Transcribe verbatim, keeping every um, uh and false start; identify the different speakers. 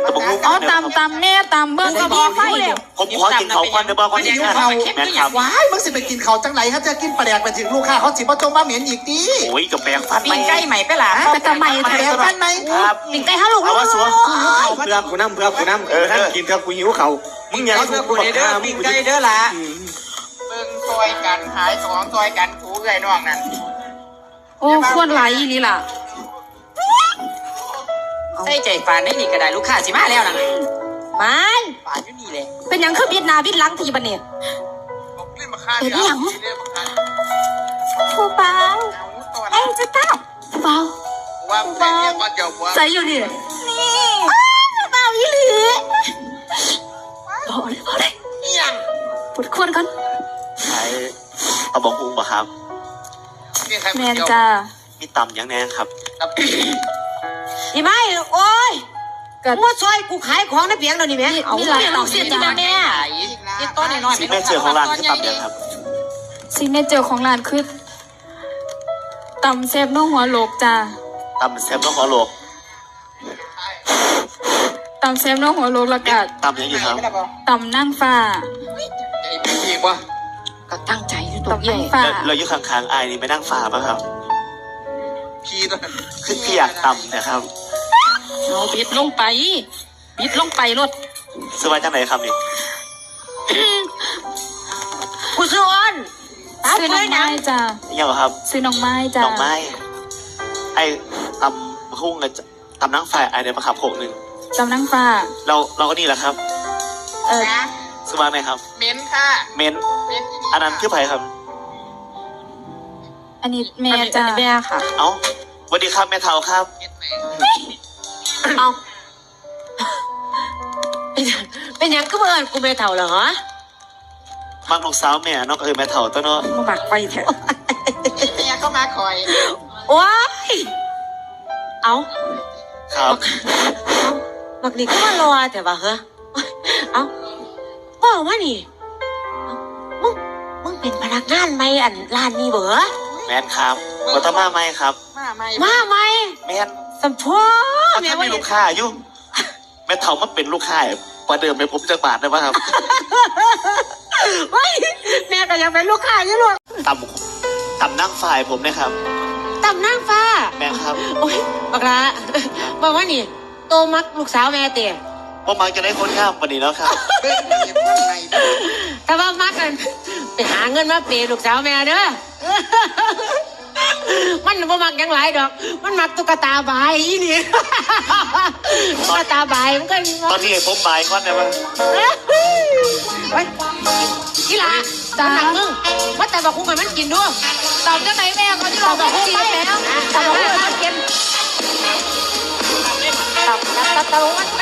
Speaker 1: อ๋อตำตำแน่ตำเบิ้งก็พอไฟเลย
Speaker 2: ผมขอกินเขาก่อนเดี๋ยวบอกก่อนที่เขาแม่ครับ
Speaker 3: ว้ายมึงสิไปกินเขาจังไหนเขาจะกินปลาแดกไปถึงลูกค้าเขาสิบ่จงมาเหม็นอีกดิ
Speaker 2: โอ้ยกับแปลงฟัน
Speaker 1: ปีนไก่ใหม่ไปหล่ะไปทำไม
Speaker 3: ปลาแดกฟันไหม
Speaker 2: ครับ
Speaker 1: ปีนไก่ฮัลโหล
Speaker 2: เอาว่าสัว
Speaker 4: เพื่อกูน้ำเพื่อกูน้ำเออท่านกินครับกูหิวเขามึงอยากเพื่อกูเด้อปิ้งไก่เด้อละ
Speaker 5: เบิ่งซอยกันหายของซอยกันถูไก่นอกนั่น
Speaker 1: โอ้ควรไหลนี่ล่ะ
Speaker 5: ใส่ใจฟานได้นี่ก็ได้ลูกค้าสิมาแล้วนะ
Speaker 1: ไม่
Speaker 5: ฟานอยู่นี่เลย
Speaker 1: เป็นยังคือบิดนาบิดหลังทีบันเนี่ยเป็นยังผู้เบาไอ้จะเต้าผู้เบา
Speaker 5: ว่าผู้เบา
Speaker 1: ใส่อยู่นี่นี่ผู้เบาอีหลีพอเลยพอเลย
Speaker 5: ยัง
Speaker 1: ปวดควรกัน
Speaker 2: ใช้เอาบองอุ้งป่ะครับ
Speaker 1: แมนจ้า
Speaker 2: มีตำยังแน่ครับ
Speaker 6: นี่ไม่โอ้ยมัวซอยกูขายของในเปียงเดี๋ยวนี้แม่
Speaker 1: มีหลายต่างเสียจีแม่
Speaker 5: ที่ต้นน้อย
Speaker 2: ซิกเนเจอร์ของร้านคือตำยังครับ
Speaker 1: ซิกเนเจอร์ของร้านคือตำแซ่บน้องหัวโหลกจ้า
Speaker 2: ตำแซ่บน้องหัวโหลก
Speaker 1: ตำแซ่บน้องหัวโหลกละกัด
Speaker 2: ตำยังอยู่ครับ
Speaker 1: ตำนั่งฟ้า
Speaker 5: ใจพี่กว่า
Speaker 6: ก็ตั้งใจอยู่ตรงนี้
Speaker 2: เราอยู่ข้างๆไอ้นี่ไปนั่งฟ้าป่ะครับ
Speaker 5: พี่ตัว
Speaker 2: คือพี่อยากตำนะครับ
Speaker 1: เราบิดลงไปบิดลงไปรถ
Speaker 2: สบายจังไหนครับนี่
Speaker 6: กูชวน
Speaker 1: ซื้อน้องไม้จ้า
Speaker 2: ยังเหรอครับ
Speaker 1: ซื้อน้องไม้จ้า
Speaker 2: น้องไม้ไอ้ตำพุ่งกับตำนั่งฟ้าไอ้เดี๋ยวมาขับโขกหนึ่ง
Speaker 1: ตำนั่งฟ้า
Speaker 2: เราเราก็นี่แหละครับ
Speaker 1: เออ
Speaker 2: สบายไหมครับ
Speaker 5: เม้นค่ะ
Speaker 2: เม้นอันนั้นคือไผ่ครับ
Speaker 1: อันนี้แม่จ้า
Speaker 6: แม่ค่ะ
Speaker 2: เอ้าสวัสดีครับแม่เฒ่าครับ
Speaker 6: เอาเป็นยังก็เมื่อกูแม่เฒ่าเหรอฮะ
Speaker 2: มักลูกสาวแม่น้องเอ๋ยแม่เฒ่าตัวเนาะ
Speaker 6: มาบักไปแถว
Speaker 5: เนี่ยก็มาคอย
Speaker 6: ว้ายเอา
Speaker 2: ครับ
Speaker 6: บักนี่ก็มารอแต่ว่าเหรอเอาบอกว่านี่มึงมึงเป็นพนักงานไหมอันร้านนี้เบอ
Speaker 2: แม่นครับก็ต้องมาไหมครับ
Speaker 5: มาไหม
Speaker 6: มาไหม
Speaker 2: แม่น
Speaker 6: สัมพันธ์
Speaker 2: แม่ว่าลูกค้าอยู่แม่เฒ่ามาเป็นลูกค้าประเดิมไปผมจะบาทได้ป่ะครับ
Speaker 6: ไม่แม่ก็ยังเป็นลูกค้าอยู่หรอก
Speaker 2: ตำตำนั่งฝ่ายผมนะครับ
Speaker 6: ตำนั่งฟ้า
Speaker 2: แม่ครับ
Speaker 6: โอ้ยบักละบอกว่านี่โตมักลูกสาวแม่เตี๋ย
Speaker 2: ว่ามักจะได้คนงามปนี้แล้วครับ
Speaker 6: แต่ว่ามักกันไปหาเงินมาเปย์ลูกสาวแม่เด้อมันบ่มักยังหลายดอกมันมักตุ๊กตาบายอีนี่ตุ๊กตาบายมันก็
Speaker 2: ตอนที่ผมบายก้อนได้ปะ
Speaker 6: ไปกีฬาตาหนักมึงว่าแต่บอกคุ้งให้มันกินด้วยตอบจังไหนแม่เขาที่เราบอกคุ้งไปแล้วตอบบอกคุ้งให้มันกินตอบตอบตอบมัน